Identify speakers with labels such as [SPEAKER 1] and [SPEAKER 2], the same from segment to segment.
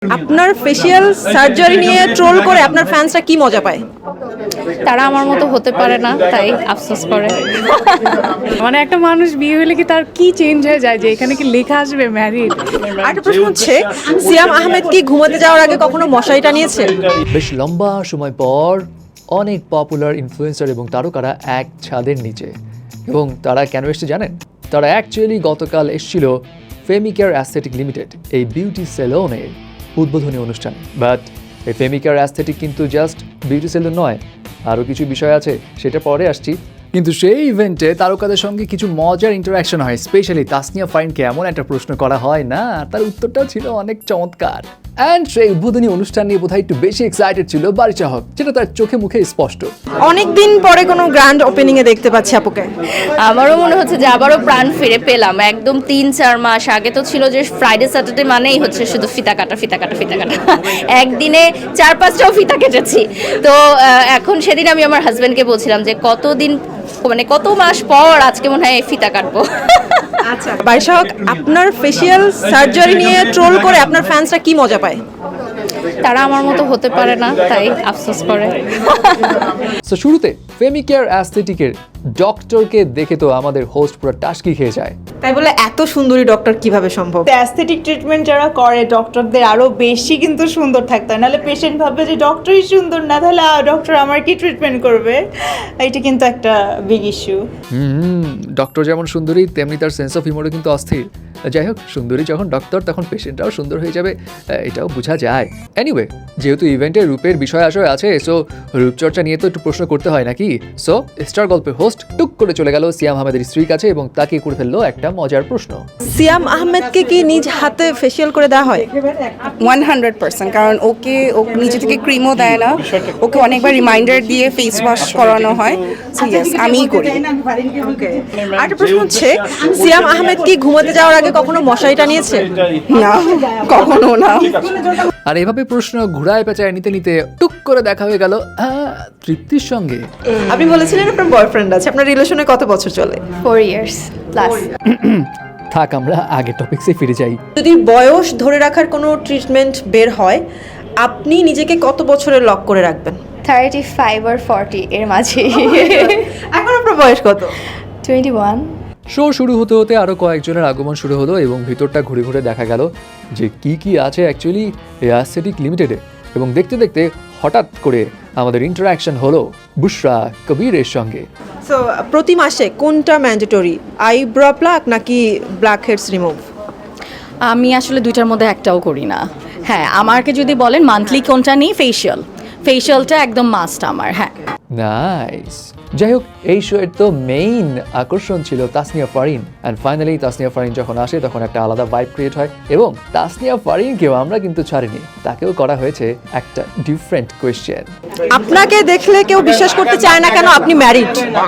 [SPEAKER 1] আপনার facial surgery নিয়ে troll করে আপনার ফ্যান্সরা কি মজা পায়?
[SPEAKER 2] তারা আমার মতো হতে পারে না, তাই আফসোস করে।
[SPEAKER 3] মানে একটা মানুষ বিয়ে হলে কি তার কি চেঞ্জ হয়ে যায় যে এখানে কি লেখা আসবে ম্যারিড?
[SPEAKER 1] আরেকটা প্রশ্ন হচ্ছে, সিয়াম আহমেদ কি ঘুমাতে যাওয়ার আগে কখনো মশারি টানিয়েছে?
[SPEAKER 4] বেশ লম্বা সময় পর অনেক পপুলার ইনফ্লুয়েন্সার এবং তারকারা এক ছাদের নিচে, এবং তারা কেন এসছে জানেন? তারা অ্যাকচুয়ালি গতকাল এসেছিল ফেমিকেয়ার অ্যাস্থেটিক লিমিটেড এই বিউটি সেলনের উদ্বোধনী অনুষ্ঠানে। বাট এই ফেমিকেয়ার অ্যাস্থেটিক কিন্তু জাস্ট বিউটি সেলুন নয়, আরও কিছু বিষয় আছে, সেটা পরে আসছি। কিন্তু সেই ইভেন্টে তারকাদের সঙ্গে কিছু মজার ইন্টারাকশন হয়। স্পেশালি তাসনিয়া ফারিনকে এমন একটা প্রশ্ন করা হয় না, তার উত্তরটাও ছিল অনেক চমৎকার। অ্যান্ড সেই উদ্বোধনী অনুষ্ঠান নিয়ে বোধহয় একটু বেশি এক্সাইটেড ছিল বারিশা হক, যেটা তার চোখে মুখে স্পষ্ট।
[SPEAKER 1] অনেকদিন পরে কোনো গ্র্যান্ড ওপেনিং এ দেখতে পাচ্ছি আপুকে।
[SPEAKER 2] আমারও মনে হচ্ছে যে আবারও প্রাণ ফিরে পেলাম। একদম 3-4 মাস আগে তো ছিল যে ফ্রাইডে স্যাটারডে মানেই হচ্ছে শুধু ফিতা কাটা ফিতা কাটা ফিতা কাটা। একদিনে 4-5টাও ফিতা কেটেছি। তো এখন সেদিন আমি আমার হাজব্যান্ডকে বলছিলাম যে কত মাস পর আজকে মনে হয় ফিতা কাটবো।
[SPEAKER 1] আচ্ছা, বারিশা হক, আপনার ফেসিয়াল সার্জারি নিয়ে ট্রোল করে আপনার ফ্যান্সরা কি মজা পায়?
[SPEAKER 2] তারা আমার মতো হতে পারে না, তাই আফসোস করে।
[SPEAKER 4] সো শুরুতে ফেমিকেয়ার অ্যাস্থেটিকের ডক্টরকে দেখে তো আমাদের হোস্ট পুরো টাস্কি খেয়ে যায়।
[SPEAKER 1] তাই বলে এত সুন্দরী ডক্টর কিভাবে সম্ভব?
[SPEAKER 5] অ্যাস্থেটিক ট্রিটমেন্ট যারা করে ডক্টরদের আরো বেশি কিন্তু সুন্দর থাকতে হয়, নাহলে পেশেন্ট ভাববে যে ডক্টরই সুন্দর না, তাহলে ডক্টর আমার কি ট্রিটমেন্ট করবে? এটা কিন্তু একটা বিগ ইস্যু।
[SPEAKER 4] ডক্টর যেমন সুন্দরী তেমনি তার সেন্স অফ হিউমারও কিন্তু অস্থির। যাই হোক, সুন্দরী যখন ডক্টর তখন পেশেন্টরাও সুন্দর হয়ে যাবে, এটাও বোঝা যায়। এনিওয়ে, যেহেতু ইভেন্টের রূপের বিষয় আশয় আছে, সো রূপচর্চা নিয়ে তো একটু প্রশ্ন করতে হয় নাকি? সো স্টার গল্পের হোস্ট টুক করে চলে গেল সিয়াম আহমেদের স্ত্রীর কাছে এবং তাকে করে ফেললো একটা মজার প্রশ্ন।
[SPEAKER 1] সিয়াম আহমেদকে কি নিজ হাতে ফেসিয়াল করে দেওয়া হয়?
[SPEAKER 6] 100%, কারণ ওকে নিজে থেকে ক্রিমও দেয় না, ওকে অনেকবার রিমাইন্ডার দিয়ে ফেস ওয়াশ করানো হয়। সো ইয়েস, আমিই করি।
[SPEAKER 1] আরেকটা প্রশ্ন হচ্ছে, সিয়াম আহমেদ কি ঘুমাতে যাওয়ার আগে কখনো মশারি টানিয়েছে?
[SPEAKER 6] না, কখনো না।
[SPEAKER 4] আর এভাবে প্রশ্ন ঘুরায় পেঁচায় নিতে নিতে টুক করে দেখা হয়ে গেল তৃপ্তির সঙ্গে।
[SPEAKER 1] আপনি বলেছিলেন আপনার বয়ফ্রেন্ড আছে, আপনার রিলেশনে কত বছর চলে?
[SPEAKER 2] 4 years প্লাস।
[SPEAKER 4] থাক, আমরা আগে টপিকসে ফিরে যাই।
[SPEAKER 1] যদি বয়স ধরে রাখার কোনো ট্রিটমেন্ট বের হয়, আপনি নিজেকে কত বছরের লক করে রাখবেন?
[SPEAKER 2] 35 or 40 এর মাঝে।
[SPEAKER 1] এখন আপনার বয়স কত?
[SPEAKER 2] 21।
[SPEAKER 4] শো শুরু হতে হতে আরও কয়েকজনের আগমন শুরু হলো এবং ভিতরটা ঘুরে ঘুরে দেখা গেল যে কি আছে অ্যাকচুয়ালি অ্যাস্থেটিক লিমিটেডে। এবং দেখতে দেখতে হঠাৎ করে আমাদের ইন্টারাকশন হলো বুশরা কবিরের সঙ্গে।
[SPEAKER 1] সো প্রতি মাসে কোনটা ম্যান্ডেটরি, আইব্রো প্লাক নাকি ব্ল্যাক হেডস রিমুভ?
[SPEAKER 7] আমি আসলে দুইটার মধ্যে একটাও করি না। হ্যাঁ, আমাকে যদি বলেন মান্থলি কোনটা নিই, ফেশিয়ালটা একদম মাস্ট আমার। হ্যাঁ,
[SPEAKER 4] নাইস। যাই হোক, এই শো এর তো মেইন আকর্ষণ ছিল তাসনিয়া ফারিন। অ্যান্ড ফাইনালি তাসনিয়া ফারিন যখন আসে তখন একটা আলাদা ভাইব ক্রিয়েট হয়, এবং তাসনিয়া ফারিনকেও আমরা কিন্তু ছাড়িনি, তাকেও করা হয়েছে একটা ডিফারেন্ট কোয়েশ্চেন।
[SPEAKER 1] আপনাকে দেখলে কেউ বিশ্বাস করতে চায় না কেন আপনি ম্যারিড?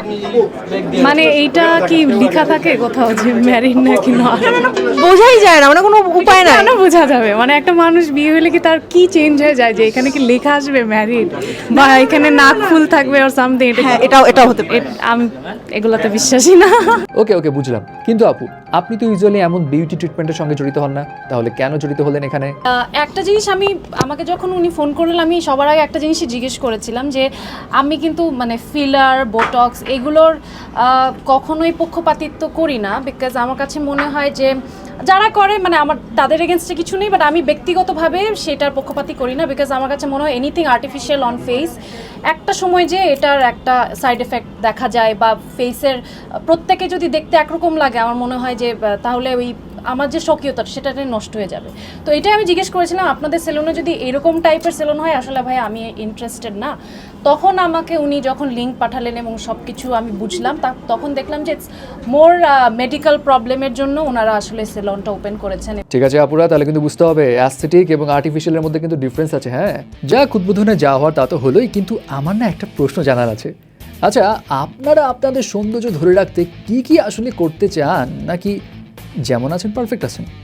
[SPEAKER 3] মানে এইটা কি লেখা থাকে কোথাও যে ম্যারিড নাকি না?
[SPEAKER 1] বোঝাই যায় না, মানে কোনো উপায় নাই।
[SPEAKER 3] কেন বোঝা যাবে? মানে একটা মানুষ বিয়ে হলে কি তার কি চেঞ্জ হয়ে যায় যে এখানে কি লেখা আসবে ম্যারিড, বা এখানে নাক ফুল থাকবে আর সামথিং?
[SPEAKER 1] হ্যাঁ, এটাও হতে পারে।
[SPEAKER 3] আমি এগুলাতে বিশ্বাসী না।
[SPEAKER 4] ওকে বুঝলাম। কিন্তু আপু, আপনি তো ইউজুয়ালি এমন বিউটি ট্রিটমেন্টের সঙ্গে জড়িত হন না, তাহলে কেন জড়িত হলেন এখানে?
[SPEAKER 3] একটা জিনিস আমাকে যখন উনি ফোন করলেন, আমি সবার আগে একটা জিনিসই জিজ্ঞেস করেছিলাম যে আমি কিন্তু মানে ফিলার, বোটক্স এগুলোর কখনোই পক্ষপাতিত্ব করি না, বিকজ আমার কাছে মনে হয় যে যারা করে মানে আমার তাদের এগেনস্টে কিছু নেই, বাট আমি ব্যক্তিগতভাবে সেটার পক্ষপাতি করি না, বিকজ আমার কাছে মনে হয় এনিথিং আর্টিফিশিয়াল অন ফেস একটা সময় যে এটার একটা সাইড এফেক্ট দেখা যায়, বা ফেসের প্রত্যেকে যদি দেখতে একরকম লাগে, আমার মনে হয় যে তাহলে ওই আমার যে স্বকীয়তা সেটা নষ্ট হয়ে যাবে। তো এটাই আমি জিজ্ঞেস করেছিলাম, আপনাদের সেলুনে যদি এরকম টাইপের সেলুন হয়, আসলে ভাই আমি ইন্টারেস্টেড না। তখন আমাকে উনি যখন লিঙ্ক পাঠালেন এবং সব কিছু আমি বুঝলাম, তখন দেখলাম যে ইটস মোর মেডিকেল প্রবলেমের জন্য ওনারা আসলে সেলুনটা ওপেন করেছেন।
[SPEAKER 4] ঠিক আছে আপুরা, তাহলে কিন্তু বুঝতে হবে অ্যাস্থেটিক এবং আর্টিফিশিয়ালের মধ্যে কিন্তু ডিফারেন্স আছে। হ্যাঁ, যা উদ্বোধনে যা হওয়ার তা তো হলোই, কিন্তু আমার না একটা প্রশ্ন জানার আছে। আচ্ছা, আপনারা আপনাদের সৌন্দর্য ধরে রাখতে কি আসলে করতে চান, নাকি যেমন আছেন পারফেক্ট আছেন?